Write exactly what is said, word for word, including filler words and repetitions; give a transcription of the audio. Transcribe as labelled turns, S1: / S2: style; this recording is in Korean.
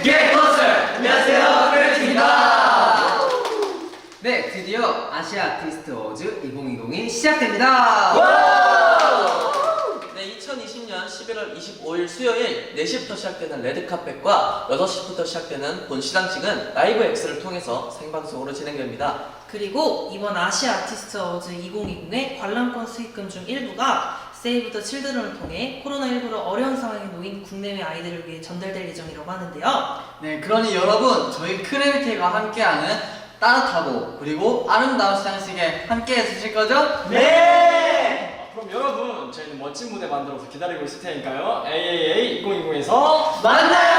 S1: 빅게 콘서트! 안녕하세요, 크래비티입니다.
S2: 네, 드디어 아시아 아티스트 어워즈 이천이십이 시작됩니다.
S1: 네, 이천이십 년 십일월 이십오일 수요일 네 시부터 시작되는 레드카펫과 여섯 시부터 시작되는 본 시상식은 라이브 X를 통해서 생방송으로 진행됩니다.
S3: 그리고 이번 아시아 아티스트 어워즈 이천이십의 관람권 수익금 중 일부가 세이브 더 칠드런을 통해 코로나십구로 어려운 상황에 놓인 국내외 아이들을 위해 전달될 예정이라고 하는데요.
S2: 네, 그러니 여러분, 저희 크래비티가 함께하는 따뜻하고 그리고 아름다운 시상식에 함께 해주실 거죠?
S4: 네! 그럼 여러분, 저희는 멋진 무대 만들어서 기다리고 있을 테니까요. 에이에이에이 이천이십에서
S1: 만나요!